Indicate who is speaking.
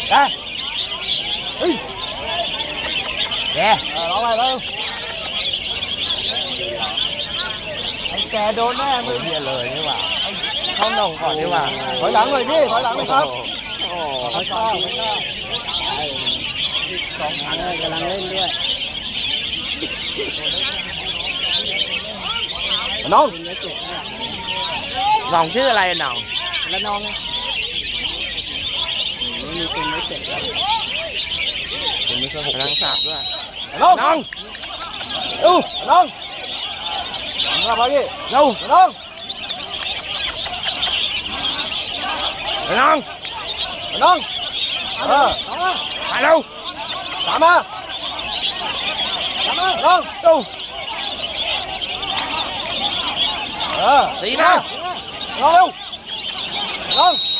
Speaker 1: Ra. Kè.
Speaker 2: Đó mày đâu. Anh kè đốn đấy em.
Speaker 1: Bây giờ lời như mà. Không đồng còn như mà.
Speaker 2: Thổi lặng rồi đi, thổi lặng đi không?
Speaker 1: Thôi
Speaker 2: cho.
Speaker 1: Sóng thẳng cái lăng lên đi.
Speaker 2: Non.
Speaker 1: Vòng chứอะไรnào?
Speaker 2: Lên non đi.
Speaker 1: Đang sạp nữa.
Speaker 2: Non.
Speaker 1: Non.
Speaker 2: Non. Làm bao gì?
Speaker 1: Đâu?
Speaker 2: Non.
Speaker 1: Non.
Speaker 2: Non.
Speaker 1: Tại đâu?
Speaker 2: Làm á. Non.
Speaker 1: Đâu?
Speaker 2: Xí
Speaker 1: ba.
Speaker 2: Non đâu? Non.